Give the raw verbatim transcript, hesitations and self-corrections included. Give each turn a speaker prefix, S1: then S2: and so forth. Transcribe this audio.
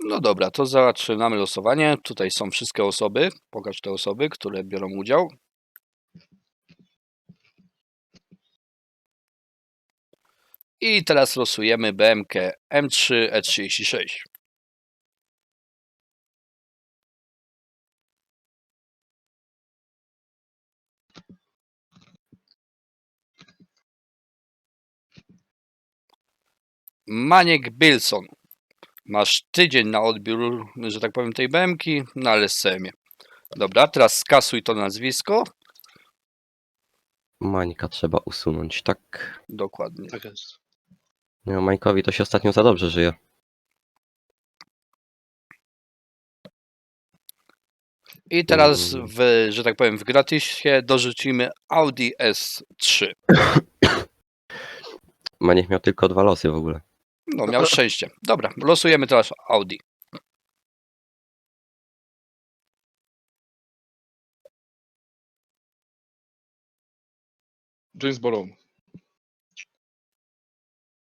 S1: No dobra, to zaczynamy losowanie. Tutaj są wszystkie osoby. Pokaż te osoby, które biorą udział. I teraz losujemy B M K M trzy E trzydzieści sześć. Maniek Bilson. Masz tydzień na odbiór, że tak powiem, tej B M ki na L S C M ie. Dobra, teraz skasuj to nazwisko.
S2: Mańka trzeba usunąć, tak?
S1: Dokładnie.
S3: Tak jest.
S2: No, Mańkowi to się ostatnio za dobrze żyje.
S1: I teraz,
S2: Mm.
S1: w, że tak powiem, w gratisie dorzucimy Audi S trzy.
S2: Maniek miał tylko dwa losy w ogóle.
S1: No, miał szczęście. Dobra, losujemy teraz Audi.
S3: Jonesboro.